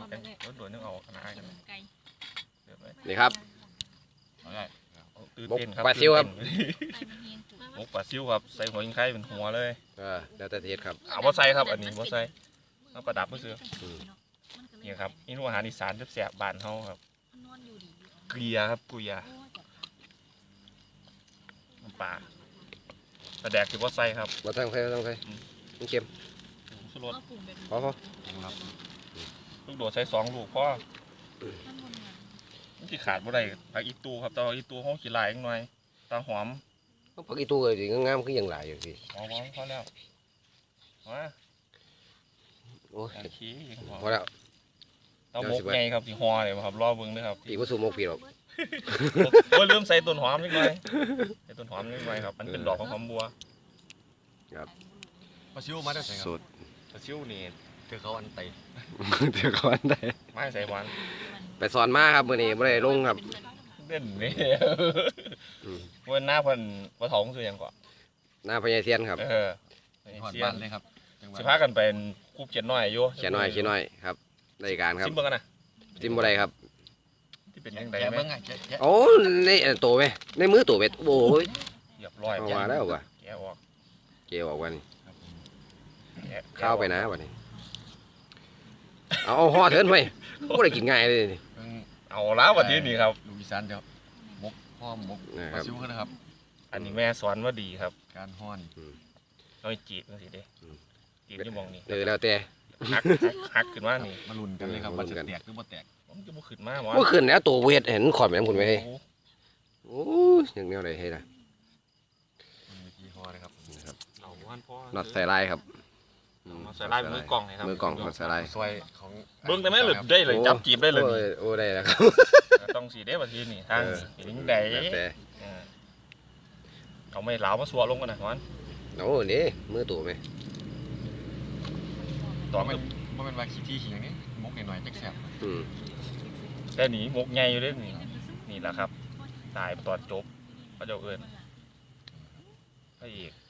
โดนนึกเอาขนาดกันนี่ครับตื่นเต้นครับปลาซิวครับหมกปลาซิวครับใส่หัวยิงไข่เป็นหัวเลยแล้วแต่เทศครับเอาบ่ใส่ครับอันนี้บ่ใส่เอาประดับเพื่อนี่ครับนี่อาหารอีสานแซ่บๆบ้านเฮาครับเกลียครับเกลียน้ำปลาปลาแดกที่บ่ใส่ครับมาตั้งไฟมันเค็มสุรสพอลูกโดดใส่2 ลูกพอที่ขาดบ่ได้ผักอีตูครับแต่ว่าอีตูเฮาขี้ลายจังหน่อยตาหอมผักอีตู้เลยงามคือยังหลายอยู่สิพอพอแล้วมาโอ้ยขี้ยังพพออแล้วเตาหมกใหญ่ครับที่ห่อเลยครับรอเบิ่งด้วยครับปีกผสมหมกปีหรอกโอ้ยลืมใส่ต้นหอมนิดหน่อยใส่ต้นหอมนิดหน่อยครับมันเป็นดอกของหอมบัวปลาซิวมาได้ใส่ครับสูตรปลาซิวนี่คือเขาอันไตเดี๋ยวก่อนได้ไม่ใส่หวานไปสอนมาครับมื้อนี้บ่ได้ลงครับเด่นนี่วันหน้าเพิ่นว่าท้องคือหยังก่อนหน้าพญาเทียนครับหอดเสียบ้านเลยครับสิพากันเป็นคูบเจ็ดน้อยอยู่เขียนน้อยครับรายการครับซิมเบิ่งกันนะซิมบ่ได้ครับที่เป็นยังไงแกะไหมเบิ้งไงแกะโอ้ในโตไหมในมือโตเม็ดโอ้ยเรียบร้อยเอามาแล้วว่ะแกะออกเกี่ยวออกว่านี่แกะเข้าไปนะวันนี้เอาห่อเถินไปบ่ได้กินง่ายเลยนี่เบิ้งเอาแล้ววันนี้นี่ครับลูกอีสานเดี๋ยวมกพ่อมกนะคปรัลาบซิวกันนะครับอันนี้แม่สอนว่าดีครับการห้อนน้อยจีบจังซี่เด้จีบอยู่หมองนี่แล้วแต่หักขึ้นมานี่มาลุ้นกันเลยครับว่าจะแตกหรือบ่แตกผมจะบ่ขึ้นมาหมอเมื่อคืนแล้วตัวเวทเห็นขอดแม่นคุณไหมโอ้โอ้ยยังแนวใดให้ล่ะมันมีที่ห่อเลยครับเอาวันพ่อน็อตใส่ลายครับเอาใส่ลายมือกล่องเลยครับมือกล่องน็อตใส่ลายซอยของเบิ่งได้ไหมหรือได้เลยจับจีบได้เลยนี่โอ้ได้แล้วครับต้องสีได้บัดทีนี่ทางสีลิงแดงแล้วแต่เอาไม่เหลามาสัวลงกันนะมันโอ้นี่มือตัวไหมตอนมันเป็นวาขี้ที่ขี้อย่างนี้มกหน่อยๆจักแซ่บอืมแต่หนีมกใหญ่อยู่เด้นี่นี่แหละครับ ตายตอนจบพระเจ้าเอิญพระเอก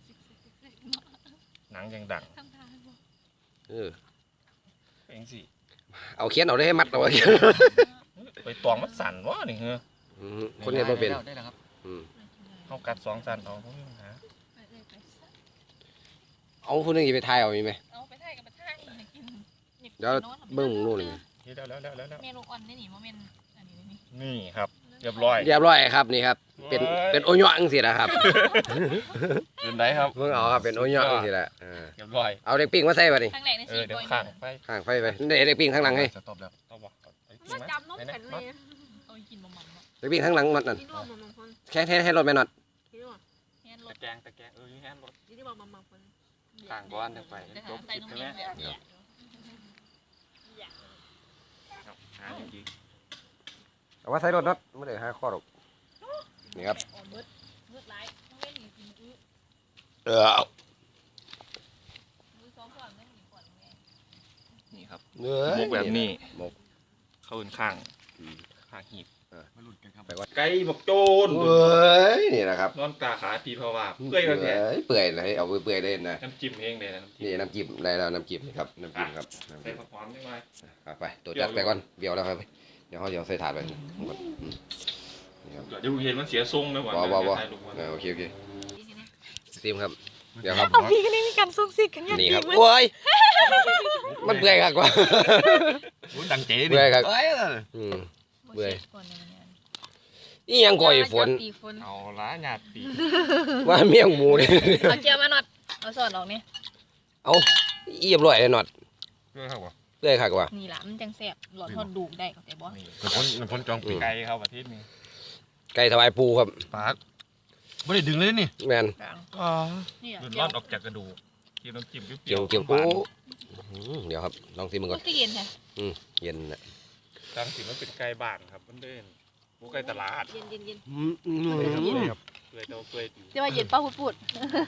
หนังยังดังเออเองสิเอาเขียนเอาได้ให้มัดเอาไว้ไปตองมันสั่นวะนี่เฮ้อคนเห็นบ่เป็นได้แล้วครับอืมเขากัด2 สั่นเอาพวกนี้ปัญหาเอาคนหนึงสิไปทายเอามีไหมเอาไปถ่ายกับไปถ่ายกินเดี๋ยวเบิ่งนู่นนี่นี่แล้วเมนูอ่อนนี่นี่โมเมนอันนี้นี่นี่ครับเรียบร้อยเรียบร้อยครับนี่ครับเป็นโอโยะจังซี่นะครับเป็นไรครับเพิ่งเอาครับเป็นโอโยะจังซี่แหละเรียบร้อยเอาเด็กปิ้งมาใส่บัดนี้ข้างแรกในเอสี่อเดี๋ยวตัวข้างไปข้างไฟไปเด็กปิ้งข้างหลังให้จะตบแล้วเอาบ่มาจำน้องแข็งเลยเอากินบะหมี่เนาะเด็กปิ้งข้างหลังมันนั่นที่นู่นมาคนแค่ให้รถไปน็อตที่นู่นแฮนรตะถแกงอยู่แฮนรถที่มาคนข้างก้อนเดี๋ยวไปจะหาใส่นมเย็นแบบนี้หาจริงเอาว่าใส่รถน็อตไม่ได้หาข้อหรอกนี่ครับมืดไร้ต้องเล่นอีกทีมือเออซ้อมก่อนไม่หนีก่อนไงนี่ครับเนื้อมกแบบนี้มกเข้าอื่นข้างข้างหีบมาลุ้นกันครับไก่บกโจนเอ้ยนี่นะครับนอนตาขาปีเพราะว่าเปื่อยกันแท้เปื่อยเลยเอาเปื่อยเลยนะน้ำจิ้มเองเลยนะน้ำจิ้มนี่น้ำจิ้มได้แล้วน้ำจิ้มนี่ครับน้ำจิ้มครับใส่ผักหอมได้ไหมเอาไปตัวจัดไปก่อนเบี้ยวแล้วครับเดี๋ยวเขาใส่ถาดไปนี่ครับเดี๋ยวเห็นมันเสียทรงนะบ่โอเคซิมครับเดี๋ยวครับเอาพี่กันนี่มีการซุกซิกกันอย่างนี่ดีครับมั้ยโอ้ยมันเปื่อยครับกว่าลุ้นดังเจ๋ดิเปื่อยครับเอ้ยเบื่อก่อนเนี่ยนี่ยังก่อยฝนปีฝนเอาล้าหยาดปีว่าเมี่ยงหมูนี่เอาเจียวมาหน่อยเอาสอดออกนี่เอาเอียบร้อยเลยหนอดเรื่องครับวะเปื่อยครับกว่านี่ล่ะมันจังแซ่บหลอดทอดดูได้ก็แต่บ่มันพ้นจองปีไก่เข้าประเทศนี้ไก่ถวายปูครับปากไม่ได้ดึงเลยนี่แมนกลางอ๋อนี่หลุดเจีรยอวดออกจากกระดูกกินน้ำจิ้มเกี่ยวเกี่ยวหวานเดี๋ยวครับลองซิมมันก่อนก็เย็นแท้เย็นนะตามสิมันเป็นไก่บ้านครับมันเดินพวกไก่ตลาดเย็นเย็นเย็นเปื่อยเต้าเปื่อยอยู่จะว่าเย็นป้าพูด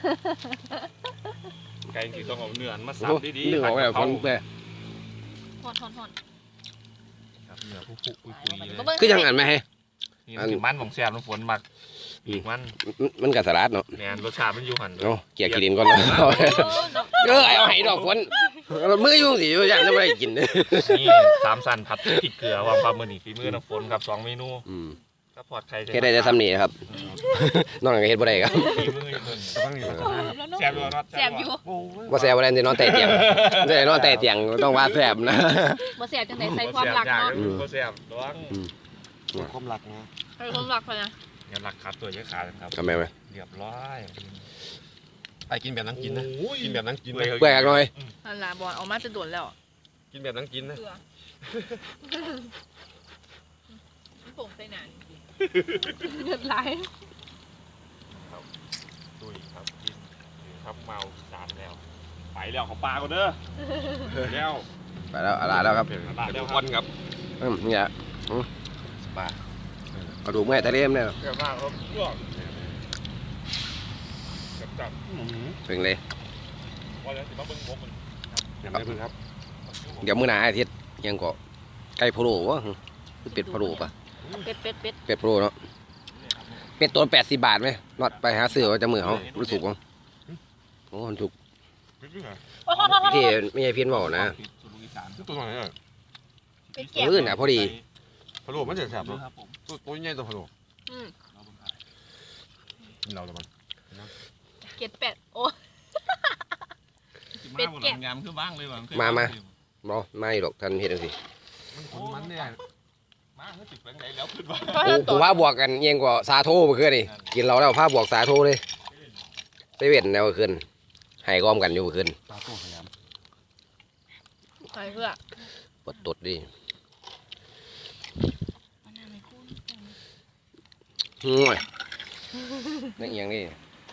ไก่ที่ต้องเอาเนื้อมาสับดีๆนึกออกแบบคนเปื่อยทอนครับเนื้อผู้ปุยๆเลยคือยังอ่านไหมให้นี่มันถึงมันของแซ่บมันฝนมักอีกมันมันกับสลัดเนาะแมนรสชาติมันอยู่หันเนาะเกี่ยกินก่อนเนาะเอาให้ดอกฝนมือยุ่งสิอย่างจะไม่ได้กินนี่สามสันผัดพริกเกลือว่าความมือนี่ฝีมือน้ำฝนครับ2 เมนูก็พอดใครแค่ได้จะทำนี่ครับนอกจากเฮ็ดบ่ได้ครับฝีมืออยู่เพิ่นตั้งนี่มาแซ่บอยู่เนาะแสบอยู่ว่าแซ่บบ่ได้นอนแต่เตียงได้นอนแต่เตียงต้องว่าแซ่บนะบ่แสบจังไดใส่ความรักเนาะบ่แซ่บร้องความรักนะใส่ความรักพะนะงั้นหลักขาดตัวเยอะขาดครับทำไมวะเรียบร้อยไอ้กินแบบนั่งกินนะกินแบบนั่งกินนะเปื่อยหน่อยนั่นล่ะบ่เอามาจะโดนแล้วกินแบบนั่งกินนะเกลือผงใส่หนานเงินไหลตุ้ยครับกินครับเมาสารแล้วไปแล้วเขาปลาก่อนเด้อแล้วไปแล้วอะไรแล้วครับปลาแล้วควัรับนครับเนี่ยสบายกระดูกแม่ทะเลมเนี่ยเกิดมากครับพวกจับเป็นเลยว่าแล้วสิมาเบิ่งบกมันอย่างไรเพื่อนครับเดี๋ยวมื้อหน้าอาทิตย์ยังก็ไก่พะโล้วะคือเป็ดพะโล้ปะเป็ดเป็ดพะโล้เนาะเป็ดตัว80 บาทไหมนอดไปหาซื้อว่าจะมือเขารู้สึกว่าโอ้มันถูกโอ้โหที่ไม่ใช่เพี้ยนบอกนะตัวไหนอ่ะเป็ดแก้วมื้อน่ะพอดีพะโล้มันจะแซ่บเนาะครับผมตัวใหญ่ตัวพะโล้อืมกินเราแล้วมันเกล็ดเป็ดโอ้เป็ดแกะยำคือบ้างเลยว่ะบ่ไม่หรอกท่านเฮ็ดจังซี่มันเนี่ยมาคือสิเป็นไงแล้วขึ้นมาผมว่าบวกกันเอียงกว่าสาโทเมื่อคืนนี่กินเราแล้วพาบวกสาโทเลยไปเว้นแนวเมื่อคืนให้ก้อมกันอยู่เมื่อคืนตาโต้ขยใส่เพื่อปวดตดดิห่วยนั่นเอียงนี่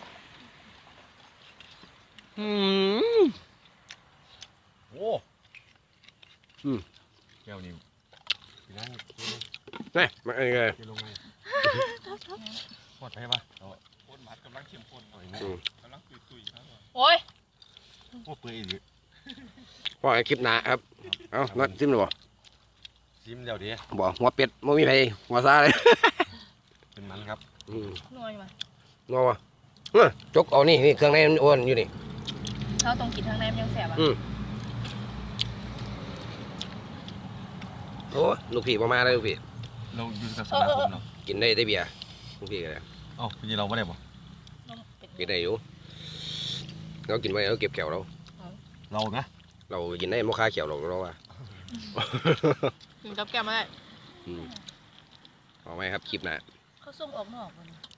โอ้แก้วนี่พี่นั่งนี่มันอะไรกินลงไงปลอดภัยปะคนหมัดกำลังเข้มข้นกำลังตุยๆครับโอ้ยโอ้เปื่อยอีกพ่อให้คลิปหนาครับเอ้านัดซิมหรือเปล่าซิมเดี๋ยวดีบอกหัวเป็ดไม่มีใครหัวซาเลยเป็นมันครับนวลมานัววะจกเอานี่เครื่องในมันอ้วนอยู่นี่เราต้องกินทางในมันยังแสบอ่ะโอ้ลูกพี่มาเลยลูกพี่เราอยู่กับสมาคมเนาะกินได้เบียร์ลูกพี่กันเลยเอ้าพี่เราไม่ได้บ่กินได้อยู่เรากินไว้เราเก็บแขวเราเรานะเรากินได้ไม่ค่าแขวเราเราว่ากินกับแก้มมาได้เอาไหมครับคลิปหน้าเขาส่งออกนอกวัน